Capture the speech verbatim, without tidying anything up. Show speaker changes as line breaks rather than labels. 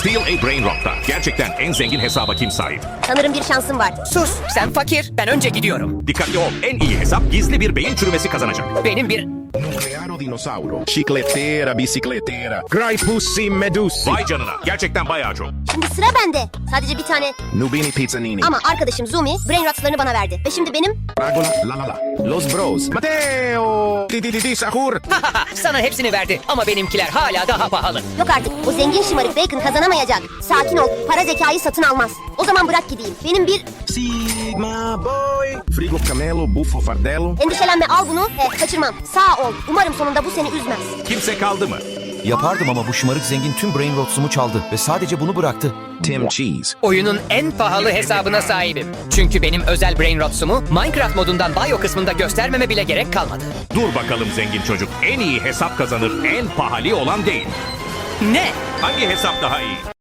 Steal a Brain Rot'ta gerçekten en zengin hesaba kim sahip?
Sanırım bir şansım var.
Sus, sen fakir, ben önce gidiyorum.
Dikkatli ol, en iyi hesap gizli bir beyin çürümesi kazanacak.
Benim bir...
Nuclearo dinossauro. Chicletera, bicicletera. Graipussi medusi.
Vay canına, gerçekten bayağı çok.
Şimdi sıra bende. Sadece bir tane.
Nubini pizzanini.
Ama arkadaşım Zumi brain rotlarını bana verdi. Ve şimdi benim...
Fragola, la la la. Los bros. Matteo. Di di di di sahur.
Sana hepsini verdi ama benimkiler hala daha pahalı.
Yok artık. O zengin şımarık Bacon kazanamayacak. Sakin ol. Para zekayı satın almaz. O zaman bırak gideyim. Benim bir...
Sigma boy. Frigo camelo, buffo fardello.
Endişelenme, al bunu ve kaçırmam. Sağ ol. Umarım sonunda bu seni üzmez.
Kimse kaldı mı?
Yapardım ama bu şımarık zengin tüm brain rotsumu çaldı ve sadece bunu bıraktı.
Tim Cheese.
Oyunun en pahalı hesabına sahibim. Çünkü benim özel brain rotsumu Minecraft modundan bio kısmında göstermeme bile gerek kalmadı.
Dur bakalım zengin çocuk. En iyi hesap kazanır, en pahalı olan değil.
Ne?
Hangi hesap daha iyi?